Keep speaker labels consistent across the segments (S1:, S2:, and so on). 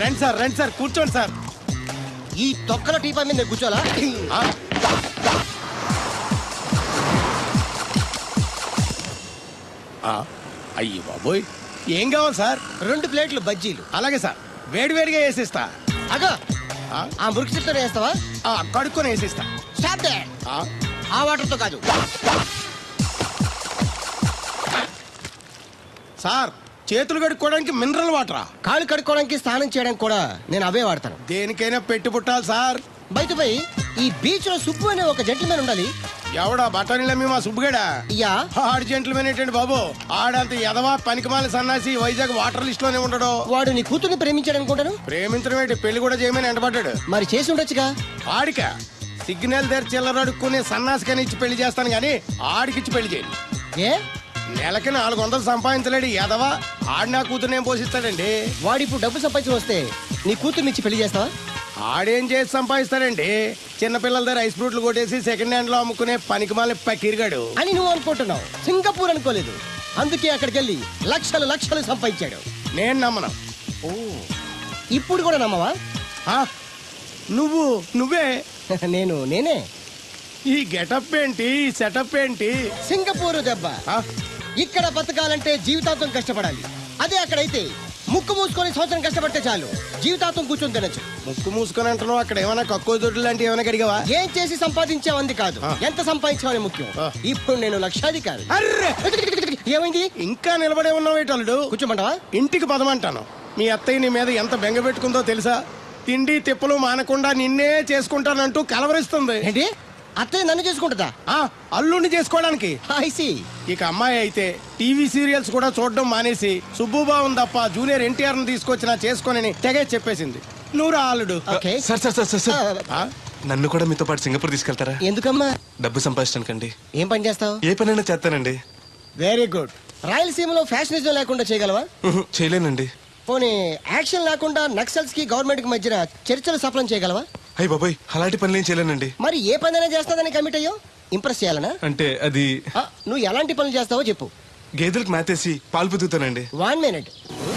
S1: రండి సార్ కూర్చోండి సార్.
S2: ఈ తొక్కల టీపా మీద నేను కూర్చోాలా?
S1: అయ్యి బాబోయ్, ఏం కావాలి సార్?
S2: 2 ప్లేట్లు బజ్జీలు.
S1: అలాగే సార్, వేడివేడిగా వేసిస్తా.
S2: అగో ఆ మురికి చెప్తా వేస్తావా?
S1: కడుక్కొని వేసిస్తా.
S2: Stop the. ఆ వాటర్ తో కాదు
S1: సార్, చేతులు కడుక్కోవడానికి మినరల్ వాటరా?
S2: కాళ్ళు కడుక్కోవడానికి స్నానం చేయడానికి కూడా నేను అవే వాడతాను.
S1: దేనికైనా పెట్టి పుట్టాలి సార్.
S2: బయటపై ఈ బీచ్ లో సుబ్బు అనే ఒక జెంట్మెన్ ఉండాలి.
S1: ఎవడా బఠానీలమ్మి మా సుబ్బుగడా?
S2: యా.
S1: ఆడు జెంట్మెన్ ఏంటండి బాబు? ఆడంత ఎదవా పనికిమాల సన్నాసి వైజాగ్ వాటర్ లిస్ట్ లోనే ఉండడు.
S2: వాడు నీ కూతుర్ని ప్రేమించాడు అనుకుంటాను.
S1: ప్రేమించడం ఏంటి, పెళ్లి కూడా చేయమని ఎంటబడ్డాడు.
S2: మరి చేసి ఉండొచ్చుగా.
S1: ఆడిక సిగ్నల్ దగ్గర చిల్లర అడుక్కునే సన్నాసికని ఇచ్చి పెళ్లి చేస్తాను గానీ ఆడికిచ్చి పెళ్లి చేయండి.
S2: ఏ
S1: నెలకి 400 సంపాదించలేడు ఎదవా. ఆడి నా కూతురునేం పోషిస్తాడండి?
S2: వాడిప్పుడు డబ్బు సంపాదించి వస్తే నీ కూతుర్ని ఇచ్చి పెళ్లి చేస్తావా?
S1: ఆడేం చేసి సంపాదిస్తాడండి? చిన్నపిల్లల దగ్గర ఐస్ ఫ్రూట్లు కొట్టేసి సెకండ్ హ్యాండ్ లో అమ్ముకునే పనికిమాల పకీర్గాడు
S2: అని నువ్వు అనుకుంటున్నావు. సింగపూర్ అనుకోలేదు. అందుకే అక్కడికి వెళ్ళి లక్షలు లక్షలు సంపాదించాడు.
S1: నేను నమ్మను.
S2: ఓ, ఇప్పుడు కూడా నమ్మవా?
S1: నువ్వే
S2: నేనే.
S1: ఈ గెటప్ ఏంటి, ఈ సెటప్ ఏంటి?
S2: సింగపూర్ దెబ్బ. ఇక్కడ బతకాలంటే జీవితాంతం కష్టపడాలి. అదే అక్కడైతే ముక్కు మూసుకొని సంవత్సరం కష్టపడితే చాలు, జీవితాంతం కూర్చొని తినచ్చు.
S1: ముక్కు మూసుకొని అంటున్నావు, అక్కడ ఏమైనా కక్కువ దొడ్లు లాంటివి ఏమైనా కడిగావా?
S2: ఏం చేసి సంపాదించావంది కాదు, ఎంత సంపాదించావని ముఖ్యం. ఇప్పుడు నేను లక్షాధికారి.
S1: అర్రే,
S2: ఏమైంది?
S1: ఇంకా నిలబడే ఉన్నావు ఏటల్లుడు?
S2: కూర్చోమంటావా?
S1: ఇంటికి పదమంటాను. మీ అత్తయ్య నీ మీద ఎంత బెంగ పెట్టుకుందో తెలుసా? తిండి తిప్పలు మానకుండా నిన్నే చేసుకుంటానంటూ కలవరిస్తుంది.
S2: ఏంటి, అత్తయ్య నన్ను చేసుకుంటుందా?
S1: అల్లుడిని చేసుకోవడానికి.
S2: I see.
S1: ఇక అమ్మాయి అయితే టీవీ సీరియల్స్ కూడా చూడడం మానేసి సుబ్బుబాబు తప్ప జూనియర్ ఎన్టీఆర్ ని తీసుకొచ్చి చేసుకోనని తెగే చెప్పేసింది. నువ్వు రా అల్లుడు.
S2: Okay.
S3: సార్ నన్ను కూడా మీతో పాటు సింగపూర్ తీసుకెళ్తారా?
S2: ఎందుకమ్మా?
S3: డబ్బు సంపాదించడానికండి.
S2: ఏం పని చేస్తావు?
S3: ఏ పనైనా చేస్తానండి.
S2: Very good. రాయలసీమలో ఫ్యాషనిజం లేకుండా చేయగలవా?
S3: చేయలేనండి.
S2: పోనీ యాక్షన్ లేకుండా నక్సల్స్ కి గవర్నమెంట్ కి మధ్యన చర్చలు సఫలం చేయగలవా?
S3: అయ్యి బాబాయ్, అలాంటి పనులు ఏం చేయలేనండి.
S2: మరి ఏ పనైనా చేస్తాదని కమిట్ అయ్యో? ఇంప్రెస్ చేయాలనా?
S3: అంటే అది
S2: నువ్వు ఎలాంటి పనులు చేస్తావో చెప్పు.
S3: గేదెలకు మేతేసి పాలు పుదుగుతానండి.
S2: 1 minute.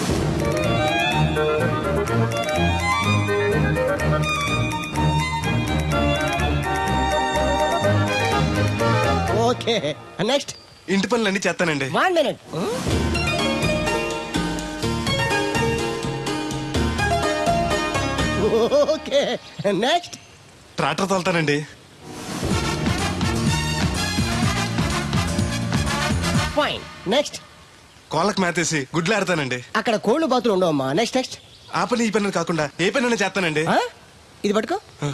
S2: Okay, next.
S3: ఇంటి పనులన్నీ చేస్తానండి.
S2: 1 minute. Okay, next.
S3: ట్రాక్టర్ తోలుతానండి.
S2: Fine, next.
S3: కోళ్ళకు మేతేసి గుడ్లు ఆడతానండి.
S2: అక్కడ కోళ్ళు బాతులు ఉండవమ్మా. Next next.
S3: ఆ పని ఈ పని కాకుండా ఏ పనైనా చేస్తానండి.
S2: ఇది పట్టుకో.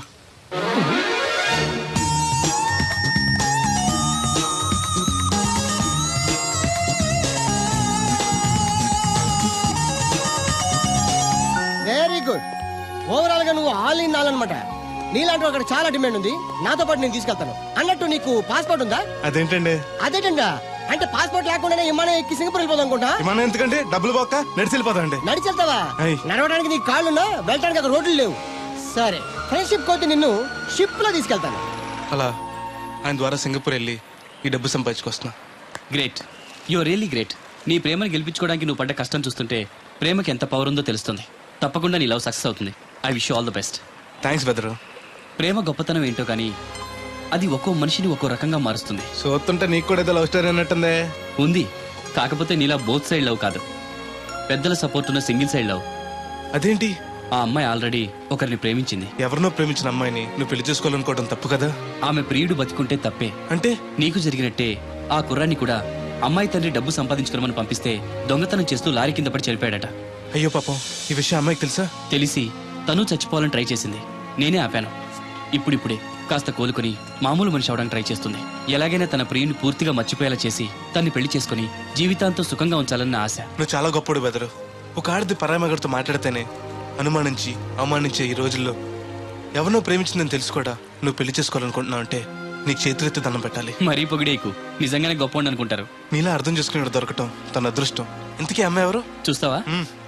S2: Very good. ఓవరాల్ గా నువ్వు ఆల్ ఇన్ ఆల్ అనమాట. నీలాంటి అక్కడ చాలా డిమాండ్ ఉంది. నాతో పాటు నేను తీసుకెళ్తాను. అన్నట్టు నీకు పాస్పోర్ట్ ఉందా?
S3: అదేంటండి?
S2: అదేటండా అంటే పాస్పోర్ట్ లేకుండానే విమానం ఎక్కి సింగపూర్ వెళ్ళిపోదాం అనుకుంటా.
S3: విమానం ఎందుకంటే డబ్బులు పోక నడిచి వెళ్ళిపోతాండి.
S2: నడిచి వెళ్తావా? నడవడానికి నీకు కాళ్ళున్నా, వెళ్ళడానికి అక్కడ రోడ్లు లేవు. సరే, ఫ్రెండ్షిప్ కోతి నిన్ను షిప్ లో తీసుకెళ్తాను.
S3: అలా ఆయన ద్వారా సింగపూర్ వెళ్ళి ఈ డబ్బు సంపాదించుకొస్తున్నా.
S4: Great, your really great. నీ ప్రేమను గెలిపించుకోవడానికి నువ్వు పడ్డ కష్టం చూస్తుంటే ప్రేమకి ఎంత పవర్ ఉందో తెలుస్తుంది. తప్పకుండా నీ లవ్ సక్సెస్ అవుతుంది. I wish you all the best.
S3: Thanks బెదరు.
S4: ప్రేమ గొప్పతనం ఏంటో కానీ అది ఒక్కో మనిషిని ఒక్కో రకంగా మారుస్తుంది.
S3: చూస్తుంటే నీకు కూడా ఏదో లవ్ స్టోరీ అన్నట్టుందే.
S4: ఉంది, కాకపోతే నీలా బోత్ సైడ్ లవ్ కాదు, పెద్దల సపోర్ట్ ఉన్న సింగిల్ సైడ్ లవ్.
S3: అదేంటి?
S4: ఆ అమ్మాయి ఆల్రెడీ ఒకరిని ప్రేమించింది.
S3: ఎవరినో ప్రేమించిన అమ్మాయిని నువ్వు పెళ్లి చేసుకోవాలనుకోవడం తప్పు కదా?
S4: ఆమె ప్రియుడు బతికుంటే తప్పే.
S3: అంటే
S4: నీకు జరిగినట్టే ఆ కుర్రాన్ని కూడా అమ్మాయి తండ్రి డబ్బు సంపాదించుకోమని పంపిస్తే దొంగతనం చేస్తూ లారీ కింద పడి చనిపోయాడట.
S3: అయ్యో పాపం, ఈ విషయం అమ్మాయికి తెలుసా?
S4: తెలిసి తను చచ్చిపోవాలని ట్రై చేసింది. నేనే ఆపాను. ఇప్పుడిప్పుడే కాస్త కోలుకుని మామూలు మనిషి అవడానికి ట్రై చేస్తుంది. ఎలాగైనా తన ప్రియుని పూర్తిగా మర్చిపోయేలా చేసి తన్ని పెళ్లి చేసుకుని జీవితాంతం సుఖంగా ఉంచాలన్న ఆశ.
S3: నువ్వు చాలా గొప్పడు బెదరు. ఒక ఆడది పరామగడితో మాట్లాడితేనే అనుమానించి అవమానించే ఈ రోజుల్లో ఎవరినో ప్రేమించిందని తెలుసుకోడా నువ్వు పెళ్లి చేసుకోవాలనుకుంటున్నావు అంటే నీకు చేతులెత్తి దండం పెట్టాలి.
S4: మరీ పొగిడేకు, నిజంగానే గొప్ప అనుకుంటారు.
S3: నీలా అర్థం చేసుకునే దొరకటం తన అదృష్టం. ఇంతకీ అమ్మాయి ఎవరు
S4: చూస్తావా?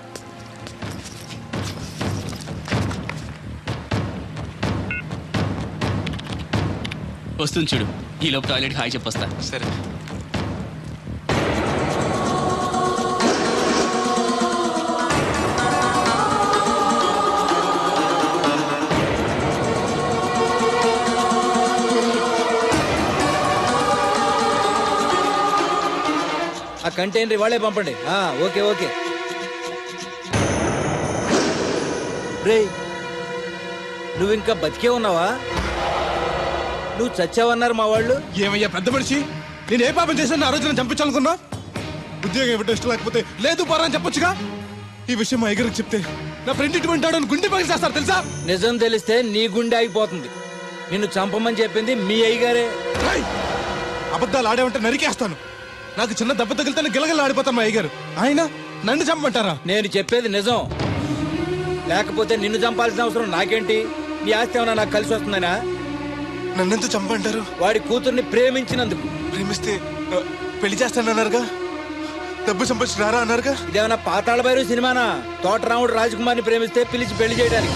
S4: వస్తుంది చూడు. ఈ లోపు టాయిలెట్ హాయ్ చెప్పొస్తా.
S3: సరే.
S5: ఆ కంటైనర్ వాళ్ళే పంపండి. Okay okay. రేయ్, నువ్వు ఇంకా బతికే ఉన్నావా? నువ్వు చచ్చావన్నారు మా వాళ్ళు.
S3: ఏమయ్యా పెద్ద మనిషి, నేను ఏ పాపం చేశాను ఆ రోజు నేను చంపించాలనుకున్నా? ఉద్యోగం ఇవ్వటం ఇష్టం లేకపోతే లేదు పోరా అని చెప్పొచ్చుగా. ఈ విషయం మా అయ్యగారికి చెప్తే నా ఫ్రెండ్ ఇటువంటి వాడు అని గుండె పగిలి చేస్తారు తెలుసా?
S5: నిజం తెలిస్తే నీ గుండె ఆగిపోతుంది. నిన్ను చంపమని చెప్పింది మీ అయ్యగారే.
S3: రేయ్, అబద్ధాలు ఆడేమంటే నరికేస్తాను. నాకు చిన్న దెబ్బ తగిలితే గిలగల ఆడిపోతాను మా అయ్యగారు. ఆయన నన్ను చంపమంటారా?
S5: నేను చెప్పేది నిజం. లేకపోతే నిన్ను చంపాల్సిన అవసరం నాకేంటి? నీ ఆస్తి ఏమన్నా నాకు కలిసి వస్తుందనా?
S3: నన్నెంత చంపంటారు?
S5: వాడి కూతుర్ని ప్రేమించినందుకు.
S3: ప్రేమిస్తే పెళ్లి చేస్తానన్నారుగా, డబ్బు సంపాదించి రారా అన్నారుగా.
S5: ఇదేమన్నా పాతాళ భైరవ్ సినిమానా? తోటరాముడు రాజకుమార్ని ప్రేమిస్తే పిలిచి పెళ్లి చేయడానికి.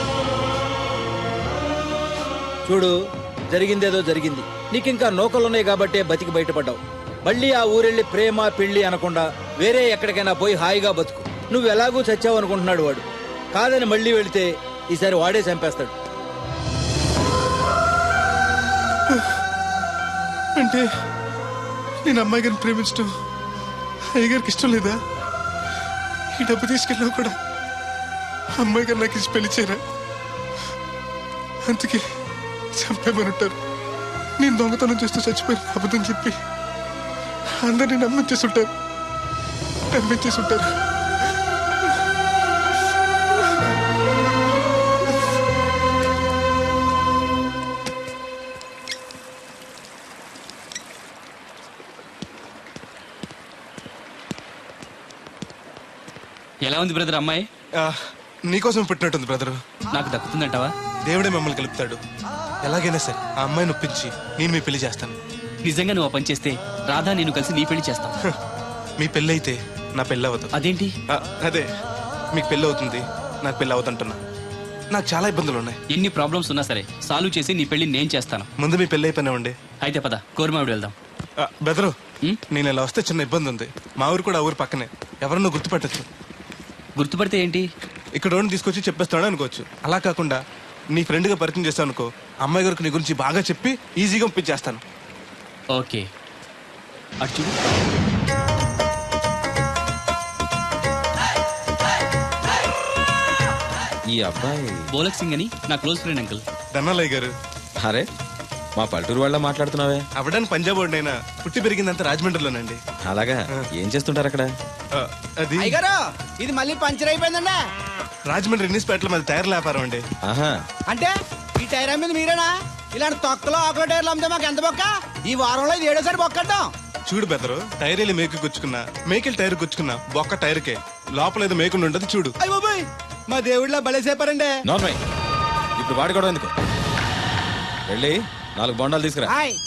S5: చూడు, జరిగిందేదో జరిగింది. నీకింకా నౌకలున్నాయి కాబట్టే బతికి బయటపడ్డావు. మళ్ళీ ఆ ఊరెళ్ళి ప్రేమ పెళ్లి అనకుండా వేరే ఎక్కడికైనా పోయి హాయిగా బతుకు. నువ్వు ఎలాగూ చచ్చావు అనుకుంటున్నాడు వాడు. కాదని మళ్ళీ వెళితే ఈసారి వాడే చంపేస్తాడు.
S3: అంటే నేను అమ్మాయి గారిని ప్రేమించడం అయ్యగారికి ఇష్టం లేదా? ఈ డబ్బు తీసుకెళ్ళినా కూడా అమ్మాయి గారు నాకు ఇచ్చి పెళ్లి చేయరా? అందుకే చంపేమని ఉంటారు. నేను దొంగతనం చేస్తూ చచ్చిపోయిన అబద్ధం చెప్పి అందరినీ నమ్మించేస్తుంటారు.
S4: ఎలా ఉంది బ్రదర్ అమ్మాయి?
S3: నీకోసం పెట్టినట్టుంది బ్రదరు.
S4: నాకు దక్కుతుందంటావా?
S3: దేవుడే మమ్మల్ని కలుపుతాడు. ఎలాగైనా సరే ఆ అమ్మాయిని ఒప్పించి నేను మీ పెళ్లి చేస్తాను.
S4: నిజంగా నువ్వు ఆ పని చేస్తే రాధా నేను కలిసి నీ పెళ్లి చేస్తాం.
S3: మీ పెళ్ళి అయితే నా పెళ్ళి అవుతుంది.
S4: అదేంటి?
S3: అదే, మీకు పెళ్ళి అవుతుంది, నాకు పెళ్ళి అవుతుంటున్నా. నాకు చాలా ఇబ్బందులు ఉన్నాయి.
S4: ఎన్ని ప్రాబ్లమ్స్ ఉన్నా సరే సాల్వ్ చేసి నీ పెళ్లి నేను చేస్తాను.
S3: ముందు మీ పెళ్ళి అయిపోయినామండి.
S4: అయితే పద కోరమావిడి వెళ్దాం.
S3: బెదరు,
S4: ఉం?
S3: నేను ఇలా వస్తే చిన్న ఇబ్బంది ఉంది. మా ఊరు కూడా ఆ ఊరు పక్కనే. ఎవరన్నా గుర్తుపట్టచ్చు.
S4: గుర్తుపడితే ఏంటి?
S3: ఇక్కడ రోడ్డు తీసుకొచ్చి చెప్పేస్తాడు అనుకోవచ్చు. అలా కాకుండా నీ ఫ్రెండ్గా పరిచయం చేస్తాను అనుకో, అమ్మాయి గారికి నీ గురించి బాగా చెప్పి ఈజీగా పంపించేస్తాను.
S4: ఓకే, అటు చూడు.
S6: ఈ అబ్బాయి
S4: బోలక్ సింగ్ అని నా క్లోజ్ ఫ్రెండ్ అంకుల్.
S3: ధనాలయ్య గారు.
S6: అరే, మా పల్లెటూరు వాళ్ళ మాట్లాడుతున్నావే?
S3: అవడానికి పంజాబ్ వాడినైనా పుట్టి పెరిగిందంతా రాజమండ్రిలోనండి.
S6: అలాగా? ఏం చేస్తుంటారు అక్కడ?
S3: అది
S2: ఇది మళ్ళీ పంచర్ అయిపోయిందండి.
S3: రాజమండ్రి ఇన్నిస్పేటలో మాది టైర్ల వ్యాపారం అండి.
S6: ఆహా,
S2: అంటే ఈ టైర్ అమ్మేది మీరేనా? ఇలాంటి తొక్కలో ఆకుల టైర్లు అమ్మితే మాకు ఎంత బొక్క? ఈ వారంలో ఇది 7వ బొక్కడ్డాం.
S3: చూడు బెదరు, టైర్ వెళ్ళి మేకు గుచ్చుకున్నా, మేకెళ్ళి టైర్ గుచ్చుకున్నా, బొక్క టైర్కే. లోపల ఏదో మేకుండా ఉండదు చూడు.
S2: అయ్య బాబాయ్, మా దేవుడిలా బలేసేపారండి.
S6: నార్మల్. ఇప్పుడు వాడుకోవడం ఎందుకు? వెళ్ళి 4 బొండాలు తీసుకురా.